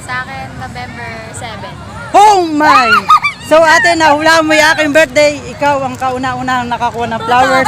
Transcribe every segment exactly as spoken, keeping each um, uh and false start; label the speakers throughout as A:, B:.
A: sa akin, November seven.
B: Oh my! So ate, nahula mo yung aking birthday. Ikaw ang kauna-unahang nakakuha ng flowers.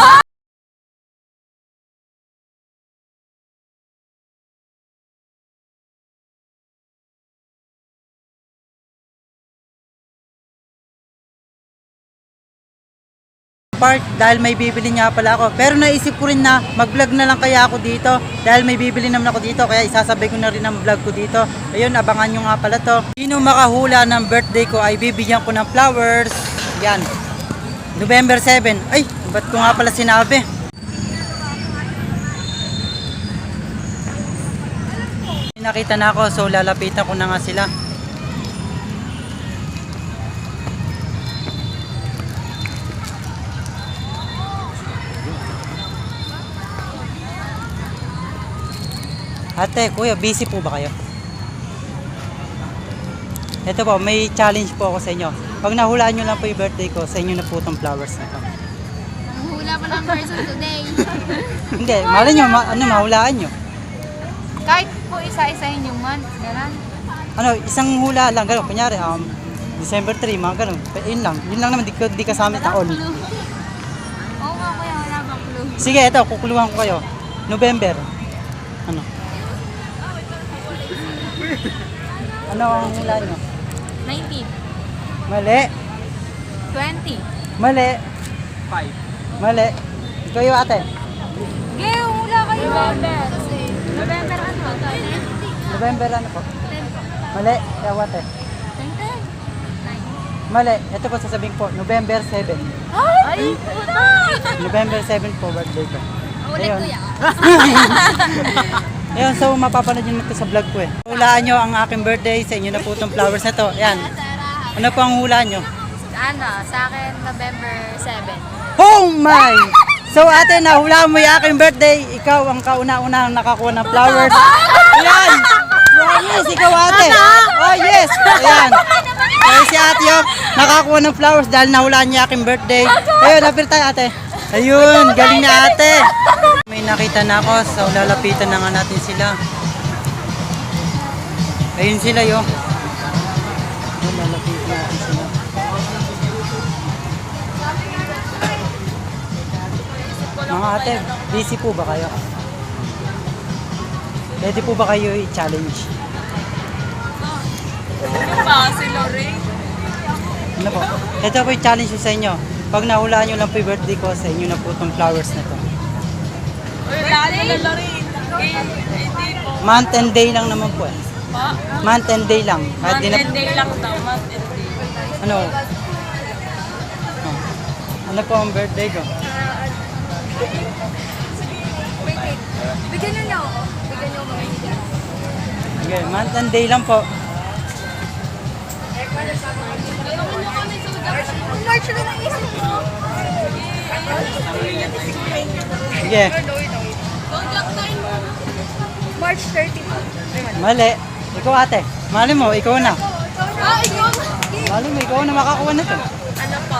B: Park dahil may bibili nga pala ako. Pero naisip ko rin na mag-vlog na lang kaya ako dito dahil may bibili naman ako dito kaya isasabay ko na rin ang vlog ko dito. Ayun, abangan nyo nga pala to. Sino makahula ng birthday ko ay bibigyan ko ng flowers. Yan. November seven. Ay, ba't ko nga pala sinabi? Nakita na ako so lalapitan ko na nga sila. Ate, kuya, busy po ba kayo? Ito po, may challenge po ako sa inyo. Pag nahulaan nyo lang po yung birthday ko, sa inyo na po itong flowers na to.
A: Hula pa ng person today.
B: Hindi, malay nyo, ma ano, mahulaan nyo.
A: Kahit po isa-isahin yung month, gano'n.
B: Ano, isang hula lang, gano'n. Kunyari, um, December three, mga gano'n. Yun lang, yun lang naman, di, di kasama taon.
A: Oo nga kuya, wala bang clue.
B: Sige, ito, kukuluhan ko kayo. November. Ano? Ano ang hula nyo?
A: nineteen.
B: Mali.
A: twenty.
B: Mali.
C: five.
B: Mali. Ikaw yung ate.
A: Geo, hula kayo. November. November ano?
B: November ano po? Mali. Ikaw ate.
A: ten.
B: Mali. Ito po sasabihin po. November seven.
A: Ay, puta!
B: November seven po birthday ko.
A: Ulit
B: Ayun.
A: kuya.
B: Ayun, so mapapanood nyo na ito sa vlog ko eh. Hulaan nyo ang aking birthday. Sa inyo na po itong flowers na to. Ayan. Ano po ang hula nyo?
A: Ano, sa akin, November seven.
B: Oh my! So ate, nahula mo yung aking birthday. Ikaw ang kauna-unahang nakakuha ng flowers. Ayan! Promise, ikaw ate. Oh yes! Ayan. Kaya si ate yung nakakuha ng flowers dahil nahulaan niya aking birthday. Ayun, napil tayo ate. Ayun, galing na ate. May nakita na ako, so lalapitan na nga natin sila. Ayun sila yo. Ayun, lalapitan natin sila. Mga ate, busy po ba kayo? Pwede po ba kayo i-challenge?
A: Si Lorraine.
B: Ano po? Ito po yung challenge ko sa inyo. Pag nahulaan nyo lang po yung birthday ko, sa inyo na po itong flowers na to. Month and day lang naman po eh. Month and day lang. Kahit
A: Month
B: di na,
A: and day lang daw, month and day.
B: ano? Oh. Ano po ang birthday ko?
A: Bigyan niyo niya ako. Bigyan niyo ako.
B: Okay, month and day lang po.
A: March na naisip mo.
B: Sige,
A: March thirty.
B: mali. Ikaw ate. Mali mo, ikaw na.
A: Ah, ikaw?
B: Mali mo, ikaw na makakuha na to.
A: Ano po?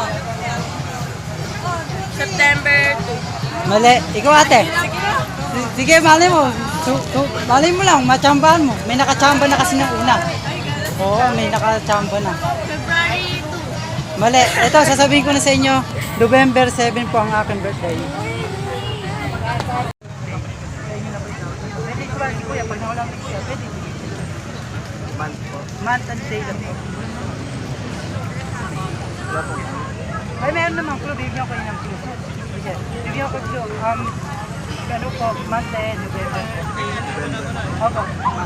A: September two.
B: Mali. Ikaw ate. S- Sige, mali mo. Su su mali mo lang, machambahan mo. May nakachamba na kasi ng una. Oo, may nakachamba na.
A: February two.
B: Mali. Ito, sasabihin ko na sa inyo, November seven po ang aking birthday. Pwede ko ba si kuya, pag nawalang ni kuya, pwede.
C: Month po.
B: Month and day lang po. Ay, meron naman clue, bibigyan ko yun ng clue. Sige, bibigyan ko clue. Um, ano po, month and November. Opo.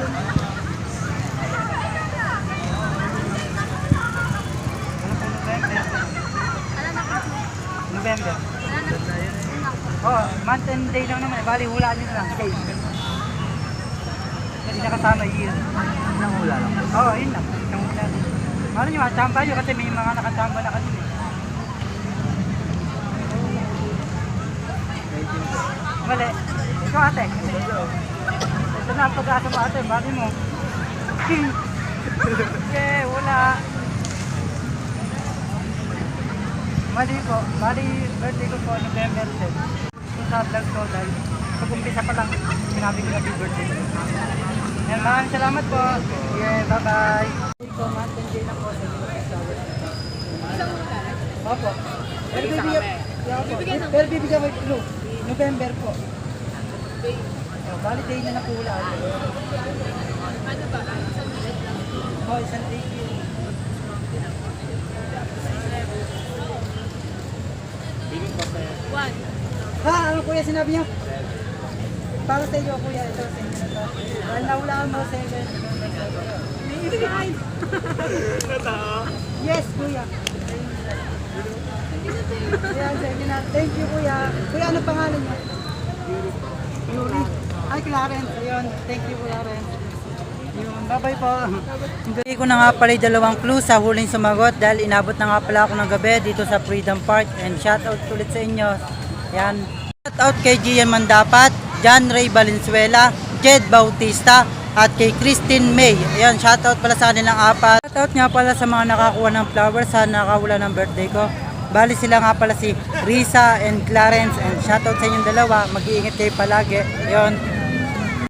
B: Ano po, November? November. Oh, month and day lang naman. Bali, hulaan nyo na lang. Day. Hindi nakasama year.
C: Nang hula lang.
B: Oo, oh, yun lang. Isang hula. Ano nyo, chamba nyo kasi may mga nakachamba na kasi. Mali. Ikaw ate. Ito na ang pag-asa mo ate. Bali mo. Okay, wala. Mali po. Bali, birthday ko po November seven. Ito sa vlog ko dahil pag-umpisa pa lang, sinabi ko happy birthday. Yan, maraming salamat po. Yeah, bye-bye. Ito, Mountain Day na po sa Flowers. Opo. Pero bibigyan, yeah, opo. Pero bibigyan ko yung clue. November po. Oh, valid day na na po wala.
A: Ano ba?
B: Oh, isang day yun.
A: One.
B: Ha, ano kuya sinabi niyo? Para sa iyo kuya, ito sa inyo na to. Dahil nahulaan mo sa inyo. Yes, kuya. Yan, sa inyo na. Thank you kuya. Kuya, ano pangalan niyo? Yuri. Ay, Clarence. Ayun, thank you Clarence. Yun, bye-bye po. Hindi ko na nga pala yung dalawang clue sa huling sumagot dahil inabot na nga pala ako ng gabi dito sa Freedom Park and shoutout ulit sa inyo. Yan. Shoutout kay Gian Mandapat, John Ray Valenzuela, Jed Bautista, at kay Christine May. Ayan, shoutout pala sa kanilang apat. Shoutout nga pala sa mga nakakuha ng flowers sa nakawala ng birthday ko. Bali sila nga pala si Risa and Clarence and shoutout sa inyong dalawa. Mag-iingat kayo palagi. Ayan.